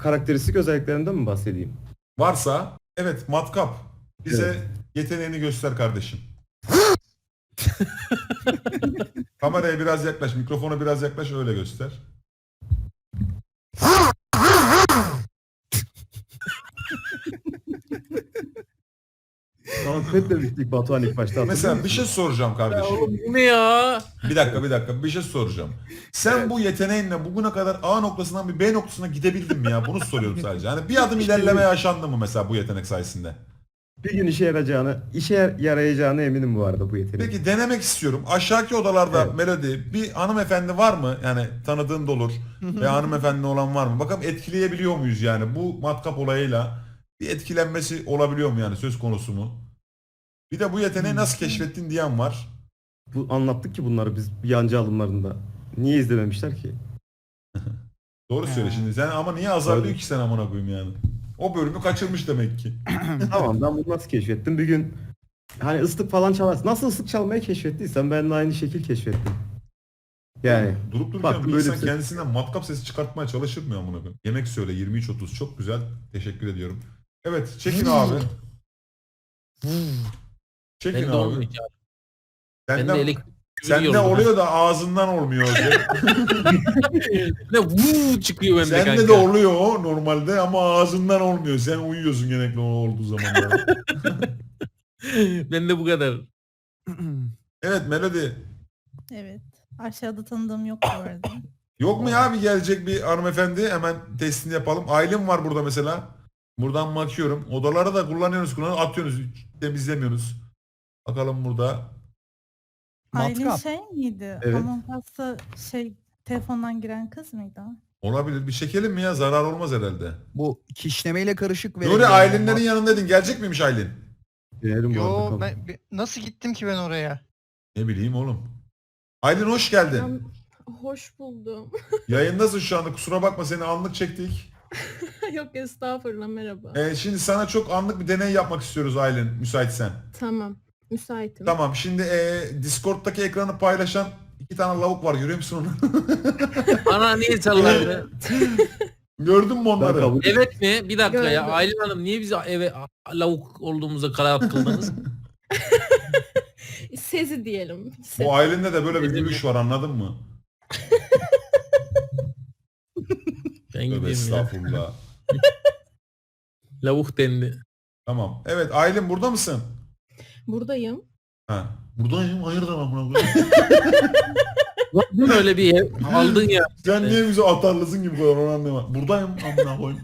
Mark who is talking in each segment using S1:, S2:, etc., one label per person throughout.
S1: karakteristik özelliklerinden mi bahsedeyim?
S2: Varsa evet matkap. Bize
S1: Evet.
S2: yeteneğini göster kardeşim. Kameraya biraz yaklaş, mikrofona biraz yaklaş öyle göster.
S1: Soundpad demiştik Batuhan ilk başta, hatırlıyor
S2: Mesela bir
S1: musun?
S2: şey soracağım
S3: Ya
S2: kardeşim.
S3: oğlum bu ne ya?
S2: Bir dakika bir şey soracağım. Sen bu yeteneğinle bugüne kadar A noktasından bir B noktasına gidebildin mi ya? Bunu soruyorum sadece. Hani bir adım ilerleme yaşandı mı mesela bu yetenek sayesinde?
S1: Bir gün işe yarayacağına eminim bu arada bu yeteneğin.
S2: Peki denemek istiyorum. Aşağıki odalarda
S1: Evet.
S2: Melody bir hanımefendi var mı? Yani tanıdığın da olur. Ve hanımefendi olan var mı? Bakalım etkileyebiliyor muyuz yani? Bu matkap olayıyla bir etkilenmesi olabiliyor mu yani söz konusu mu? Bir de bu yeteneği nasıl keşfettin diyen var.
S1: Bu anlattık ki bunları biz yancı alımlarında. Niye izlememişler ki?
S2: Doğru söyle şimdi. Sen ama niye azarlıyor
S1: Öyle.
S2: ki sen amına koyayım yani? O bölümü kaçırmış demek ki.
S1: Tamam, ben bunu nasıl keşfettim? Bir gün hani ıslık falan çalarsın. Nasıl ıslık çalmayı keşfettiysen ben de aynı şekil keşfettim. Yani
S2: Durup dururken
S1: baktım
S2: bir
S1: böyle
S2: insan
S1: bir ses.
S2: kendisinden matkap sesi çıkartmaya çalışır mı amına koyayım? Yemek söyle 23.30 çok güzel. Teşekkür ediyorum. Evet çekin abi. Çekin
S3: Ben de
S2: abi.
S3: olmuyor ya. Ben de
S2: Senden,
S3: elektrik
S2: sende
S3: yolda.
S2: oluyor da ağzından olmuyor.
S3: Ne vuu çıkıyor bende kanka.
S2: Sende de oluyor o normalde ama ağzından olmuyor. Sen uyuyorsun genellikle o olduğu zamanlarda.
S3: Bende bu kadar.
S2: Evet Melody.
S4: Evet. Aşağıda tanıdığım yok bu arada.
S2: Yok mu ya bir gelecek bir hanımefendi? Hemen testini yapalım. Aylin var burada mesela. Buradan bakıyorum. Odaları da kullanıyoruz, atıyoruz. Hiç temizlemiyoruz. Bakalım burada.
S4: Aylin
S5: Matkap.
S4: şey miydi?
S1: Evet.
S4: Among Us'ta telefondan giren kız mıydı?
S2: Olabilir. Bir çekelim mi ya? Zarar olmaz herhalde.
S5: Bu kişnemeyle karışık
S2: Nuri Aylin'lerin yanındaydın. Gelecek miymiş Aylin?
S1: Denerim bu arada.
S6: Yo
S1: Tamam.
S6: nasıl gittim ki ben oraya?
S2: Ne bileyim oğlum. Aylin hoş geldin.
S7: Hoş buldum.
S2: Yayındasın şu anda. Kusura bakma seni anlık çektik.
S7: Yok estağfurullah merhaba.
S2: Şimdi sana çok anlık bir deney yapmak istiyoruz Aylin. Müsaitsen.
S7: Tamam. Müsaitim.
S2: Tamam. Şimdi Discord'daki ekranı paylaşan iki tane lavuk var. Görüyor musun onu?
S3: Bana niye salladın?
S2: Gördün mü
S1: Ben
S2: onları?
S1: kabul
S3: Evet mi? Bir dakika ya.
S7: Gördüm.
S3: Aylin Hanım niye bizi eve lavuk olduğumuza karar kıldınız?
S7: Sezi diyelim.
S2: Bu Aylin'de de böyle bir gülüş var anladın mı?
S3: Ben
S2: Tövbe
S3: gideyim ya.
S2: estağfurullah.
S3: Lavuk dendi.
S2: Tamam. Evet Aylin burada mısın?
S7: Buradayım.
S2: Ha. Buradayım. Hayırdır amına koyayım?
S3: Var öyle bir ev aldın ya.
S2: Sen niye bize atarlısın gibi koyuyorsun onu anlayamadım. Buradayım amına koyayım.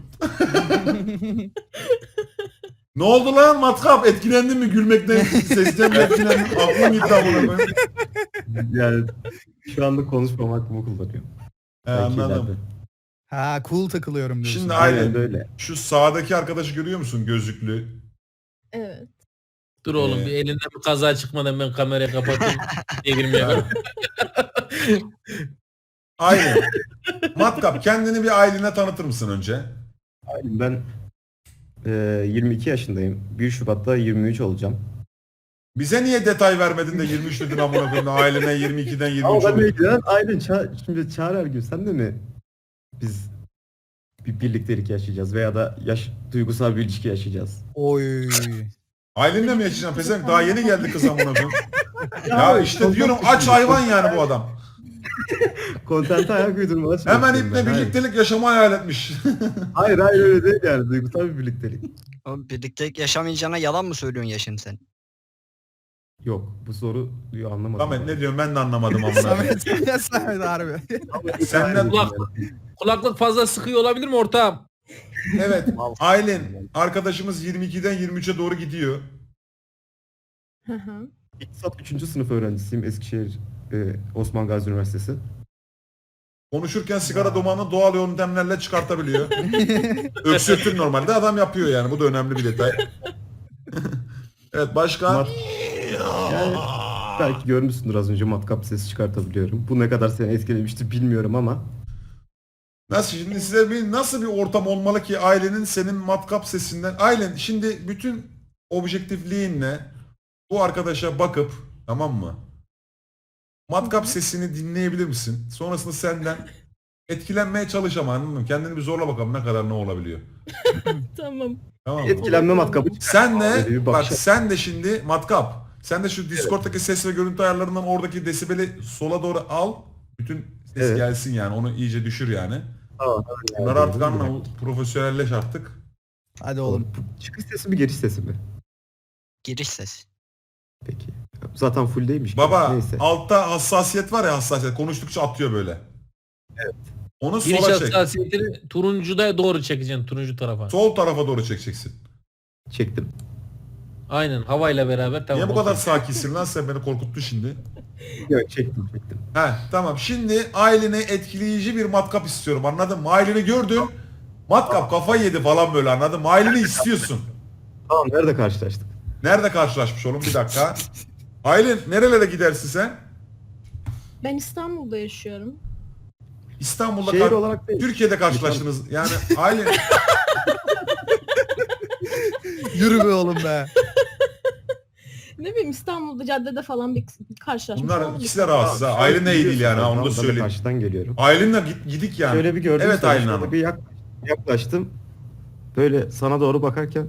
S2: Ne oldu lan matkap? Etkilendin mi gülmekten? Sesten mi etkilendin? Aklım gitti amına koyayım.
S1: yani şu anda konuşmam hakkımı kullanıyorum. Belki
S2: Anladım.
S1: ileride.
S5: Ha cool takılıyorum diyorsun.
S2: Şimdi
S1: Aynen
S2: Aylin
S1: öyle.
S2: şu sağdaki arkadaşı görüyor musun gözlüklü?
S7: Evet.
S3: Dur oğlum bir elinden bir kaza çıkmadan ben kamerayı kapatayım. Diye girmeye
S2: Aylin. Matkap kendini bir Aylin'e tanıtır mısın önce?
S1: Aynen, ben 22 yaşındayım. 1 Şubat'ta 23 olacağım.
S2: Bize niye detay vermedin de 23 dedin amına koyayım da Aylin'e 22'den 23
S1: Ama ben
S2: oluyor.
S1: ilgilenen Aylin şimdi Çağrı Ergün sen de mi biz bir birliktelik yaşayacağız veya da duygusal bir ilişki yaşayacağız?
S5: Oy.
S2: Aylin'le mi yaşayacaksın? Pezevenk daha yeni geldi kız amına koyayım. Ya işte diyorum aç hayvan yani bu adam.
S1: Kontente ayak uydurmaya
S2: Hemen
S1: çalışıyorum
S2: iple
S1: ben, hayır.
S2: birliktelik yaşamı hayal etmiş.
S1: Hayır öyle değil yani, duygusal bir birliktelik.
S8: Oğlum birlikte yaşamayacağına yalan mı söylüyorsun ya şimdi sen?
S1: Yok, bu soruyu anlamadım.
S2: Samet ne diyorsun ben de anlamadım amına koyayım.
S5: Samet harbi.
S2: Senden
S3: Kulaklık fazla sıkıyor olabilir mi ortağım?
S2: evet Aylin arkadaşımız 22'den 23'e doğru gidiyor.
S7: Hı hı.
S1: İktisat 3. sınıf öğrencisiyim, Eskişehir Osman Gazi Üniversitesi.
S2: Konuşurken sigara dumanını doğal yöntemlerle çıkartabiliyor. Öksürtür normalde adam yapıyor yani bu da önemli bir detay. Evet başka?
S1: Yani belki görmüşsündür az önce, matkap sesi çıkartabiliyorum. Bu ne kadar seni etkilemiştir bilmiyorum ama.
S2: Nasıl şimdi size nasıl bir ortam olmalı ki ailenin senin matkap sesinden ailen şimdi bütün objektifliğinle bu arkadaşa bakıp tamam mı? Matkap sesini dinleyebilir misin? Sonrasında senden etkilenmeye çalış ama anladın mı? Kendini bir zorla bakalım ne kadar ne olabiliyor.
S7: Tamam.
S2: Tamam mı?
S1: Etkilenme matkabı çıkar.
S2: Sen
S1: Öyle
S2: de
S1: bir
S2: bak
S1: bakış-
S2: sen de şimdi matkap. Sen de şu Discord'daki ses ve görüntü ayarlarından oradaki desibeli sola doğru al. Bütün ses
S1: Evet.
S2: gelsin yani. Onu iyice düşür yani.
S1: Tamam,
S2: Bunları artık anla. Profesyonelleş artık.
S5: Hadi oğlum.
S1: Çıkış sesi mi giriş sesi mi?
S8: Giriş ses.
S1: Peki. Zaten full değilmiş.
S2: Baba
S1: Neyse.
S2: altta hassasiyet var ya, hassasiyet. Konuştukça atıyor böyle. Evet. Onu
S3: Giriş
S2: sola çek.
S3: hassasiyetini turuncuda doğru çekeceksin, turuncu tarafa.
S2: Sol tarafa doğru çekeceksin.
S1: Çektim.
S3: Aynen, havayla beraber tamam.
S2: Niye bu kadar
S3: okey.
S2: sakinsin lan, sen beni korkuttun şimdi.
S1: Yok, çektim.
S2: Tamam, şimdi Aylin'e etkileyici bir matkap istiyorum, anladın mı? Aylin'i gördün, matkap kafayı yedi falan böyle, anladın mı? Aylin'i istiyorsun.
S1: Tamam, nerede karşılaştık?
S2: Nerede karşılaşmış oğlum, bir dakika. Aylin nerelere gidersin sen?
S7: Ben İstanbul'da yaşıyorum.
S2: İstanbul'da
S1: Şehir olarak değil.
S2: Türkiye'de karşılaştınız. Yani Aylin
S5: Yürü be oğlum be.
S7: Ne bileyim İstanbul'da caddede falan bir karşılaşmış.
S2: bunlar
S7: olabilir.
S2: ikisi de rahatsız ha. Aylin de iyi değil yani, onu da
S1: Ben de
S2: söyleyeyim.
S1: karşıdan geliyorum.
S2: Aylin'le gidik yani.
S1: Şöyle bir gördüm.
S2: Evet
S1: seni,
S2: Aylin
S1: şöyle
S2: Hanım.
S1: bir yaklaştım. Böyle sana doğru bakarken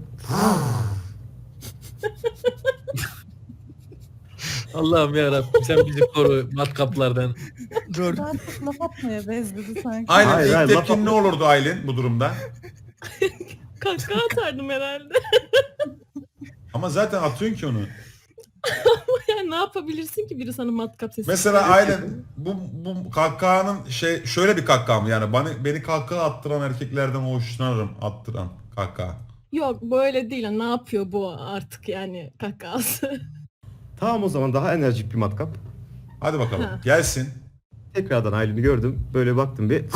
S3: Allah'ım yarabbim, sen bizi koru matkaplardan.
S5: Dur.
S4: Daha çok laf atmaya bezdi sanki.
S2: Aylin
S1: Hayır,
S2: ilk
S1: hayır,
S2: tepkin
S1: laf-
S2: ne olurdu Aylin bu durumda?
S7: Kahkaha atardım herhalde.
S2: Ama zaten atıyorsun ki onu.
S7: Yani ne yapabilirsin ki biri sana matkap sesi?
S2: Mesela Aylin bu kahkahanın şöyle bir kahkaha mı yani, beni kahkaha attıran erkeklerden hoşlanırım, attıran kahkaha.
S7: Yok böyle değil. Ne yapıyor bu artık yani kahkahası?
S1: tamam, o zaman daha enerjik bir matkap.
S2: Hadi bakalım
S7: Ha.
S2: gelsin.
S1: Tekrardan Aylin'i gördüm. Böyle baktım bir.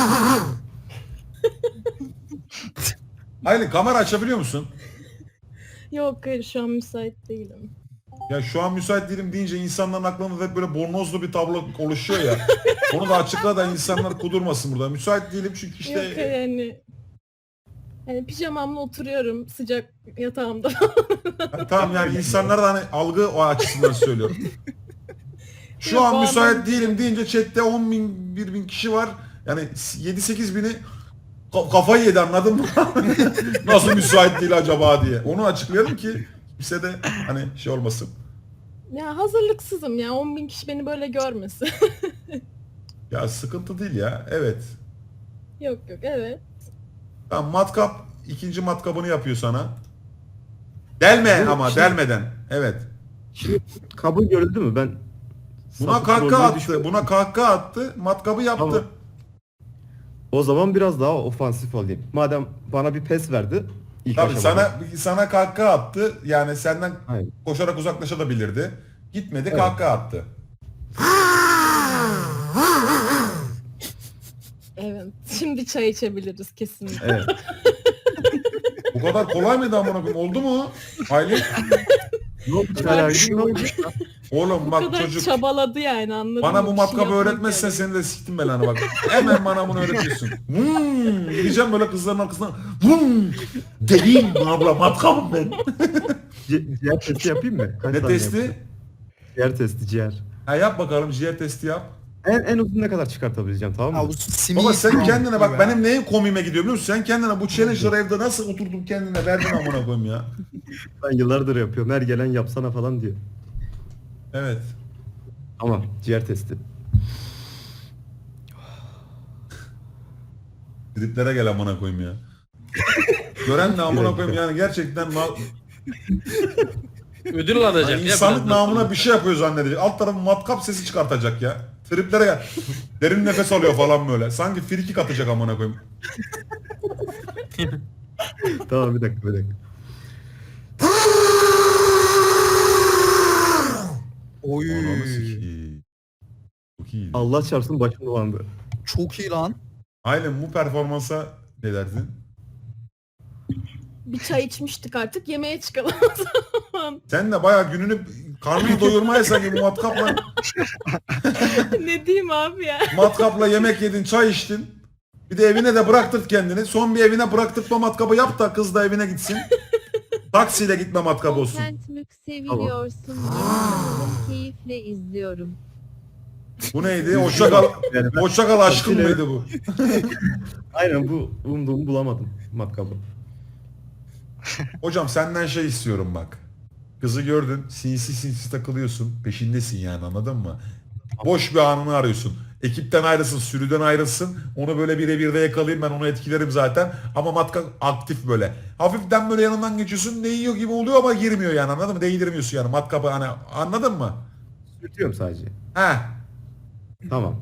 S2: Aylin kamera açabiliyor musun?
S7: Yok hayır şu an müsait değilim.
S2: Ya şu an müsait değilim deyince insanların aklında hep böyle bornozlu bir tablo oluşuyor ya. Onu da açıkla da insanlar kudurmasın burada. Müsait değilim çünkü işte
S7: Yok yani. Yani pijamamla oturuyorum sıcak yatağımda.
S2: tamam yani insanlar da hani algı o açısından söylüyorum. Şu
S7: Yok,
S2: an
S7: o
S2: müsait
S7: anlamda
S2: değilim deyince chatte 10 bin, 1 bin kişi var. Yani 7-8 bini kafayı yedi, anladın mı? Nasıl müsait değil acaba diye. Onu açıklayalım ki kimse de hani şey olmasın.
S7: Ya hazırlıksızım ya 10.000 kişi beni böyle görmesin.
S2: Ya sıkıntı değil ya. Evet.
S7: Yok evet.
S2: Tamam, matkap ikinci matkabını yapıyor sana. Delme
S1: Bu
S2: ama
S1: şey-
S2: delmeden. Evet.
S1: Şimdi kabul görüldü mü? Ben
S2: Buna
S1: sapık
S2: kahkaha
S1: rolüne
S2: attı.
S1: düşmedim.
S2: Buna kahkaha attı. Matkabı yaptı.
S1: Tamam. O zaman biraz daha ofansif olayım. Madem bana bir pes verdi. İlk
S2: Tabii
S1: aşamada.
S2: sana kahkaha attı. Yani senden
S1: Hayır.
S2: koşarak uzaklaşabilirdi. Gitmedi,
S1: Evet.
S2: kahkaha attı.
S7: Evet. Şimdi çay içebiliriz kesinlikle.
S1: Evet.
S2: Bu kadar kolay mıydı amına koyayım? Oldu mu? Aylin?
S1: Ne oldu? Çağrı Ergin, ne oldu?
S2: Oğlum
S7: Bu
S2: bak
S7: kadar
S2: çocuk.
S7: çabaladı yani anladın
S2: Bana
S7: mı?
S2: bu
S7: Bir şey
S2: matkabı
S7: yapmak
S2: öğretmezsen
S7: yani.
S2: seni de siktim belanı bak. Hemen bana bunu öğretiyorsun. Gideceğim böyle kızların arkasından. Deliyim abla, matkabım ben.
S1: Ciğer testi yapayım mı? Kaç
S2: Ne
S1: saniye
S2: testi?
S1: yapacağım? Ciğer testi, ciğer.
S2: Ha, yap bakalım, ciğer testi yap.
S1: En uzun ne kadar çıkartabileceğim, tamam
S5: Ya
S1: mı?
S5: bu simit
S2: Baba sen kendine bak,
S5: be.
S2: benim neyin komiğime gidiyor biliyor musun? Sen kendine bu challenge'ları evde nasıl oturdun kendine verdin amına koyayım ya.
S1: Ben yıllardır yapıyorum. Her gelen yapsana falan diyor.
S2: Evet.
S1: Tamam, ciğer testi.
S2: Triplere gel amına koyayım ya. Gören de amına koyayım yani, gerçekten
S3: Ödül alacak
S2: yani
S3: ya.
S2: insanlık
S3: birazdan.
S2: namına bir şey yapıyor zannedecek. Alt tarafı matkap sesi çıkartacak ya. Triplere gel. Derin nefes alıyor falan böyle. Sanki frikik atacak amına koyayım.
S1: Tamam, bir dakika.
S5: Oy.
S2: Ananı sikeyim. Çok iyi.
S1: Allah çarpsın, başım dolandı.
S5: Çok iyi lan.
S2: Aynen, bu performansa ne derdin?
S7: Bir çay içmiştik artık yemeğe çıkalım o zaman.
S2: Sen de bayağı gününü karnını doyurmaya sanki bu
S7: Ne diyeyim abi ya.
S2: matkapla yemek yedin, çay içtin. Bir de evine de bıraktırt kendini. Son bir evine bıraktırtma matkabı yap da kız da evine gitsin. Taksiyle gitme matkabı olsun.
S9: Content mük seviliyorsun. Yemin keyifle izliyorum.
S2: Bu neydi? Hoşça kal.
S1: Yani ben-
S2: Hoşça kal aşkım
S1: Yine-
S2: mıydı bu?
S1: Aynen bu umduğumu bulamadım matkabı.
S2: Hocam senden şey istiyorum bak. Kızı gördün, sinsi sinsi takılıyorsun, peşindesin yani, anladın mı? Boş bir anını arıyorsun. Ekipten ayrılsın, sürüden ayrılsın. Onu böyle birebir de yakalayayım, ben onu etkilerim zaten. Ama matkap aktif böyle. Hafiften böyle yanından geçiyorsun, değiyor gibi oluyor ama girmiyor yani, anladın mı? Değdirmiyorsun yani matkapı, hani anladın mı?
S1: Sürtüyorum sadece.
S2: Heh.
S1: Tamam.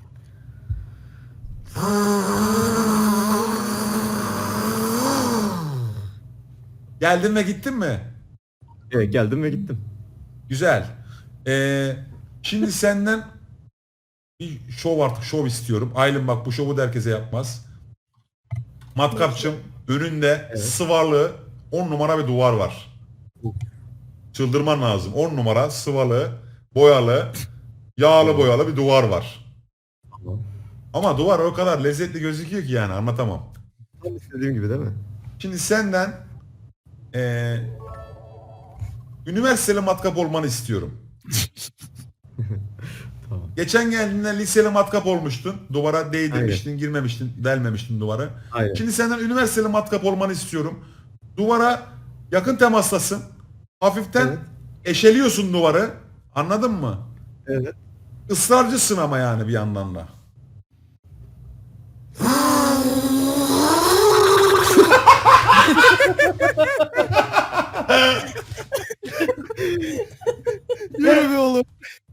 S2: Geldin ve gittin mi?
S1: Evet, geldim ve gittim.
S2: Güzel. Şimdi senden bir şov istiyorum. Aylin bak, bu şovu da herkese yapmaz. Matkapçım, önünde
S1: Evet.
S2: sıvarlı 10 numara bir duvar var. Çıldırman lazım. 10 numara sıvalı, boyalı, yağlı boyalı bir duvar var.
S1: Tamam.
S2: Ama duvar o kadar lezzetli gözüküyor ki yani anlatamam.
S1: Tam istediğim gibi değil mi?
S2: Şimdi senden üniversiteli matkap olmanı istiyorum.
S1: Tamam.
S2: Geçen geldiğinde liseli matkap olmuştun. Duvara değdirmiştin, girmemiştin, delmemiştin duvara.
S1: Aynen.
S2: Şimdi senden üniversiteli matkap olmanı istiyorum. Duvara yakın temastasın. Hafiften
S1: Evet.
S2: eşeliyorsun duvarı. Anladın mı?
S1: Evet.
S2: Israrcısın ama yani bir yandan da.
S5: Yürü be oğlum.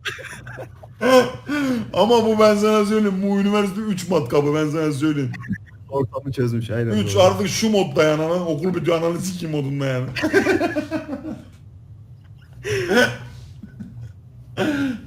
S2: Ama bu, ben sana söyleyeyim, bu üniversite 3 matkabı, ben sana söyleyeyim.
S1: Ortamı çözmüş aynen.
S2: 3
S1: doğru.
S2: artık şu modda yani, okul bitiyor ananı sikeyim modunda yani.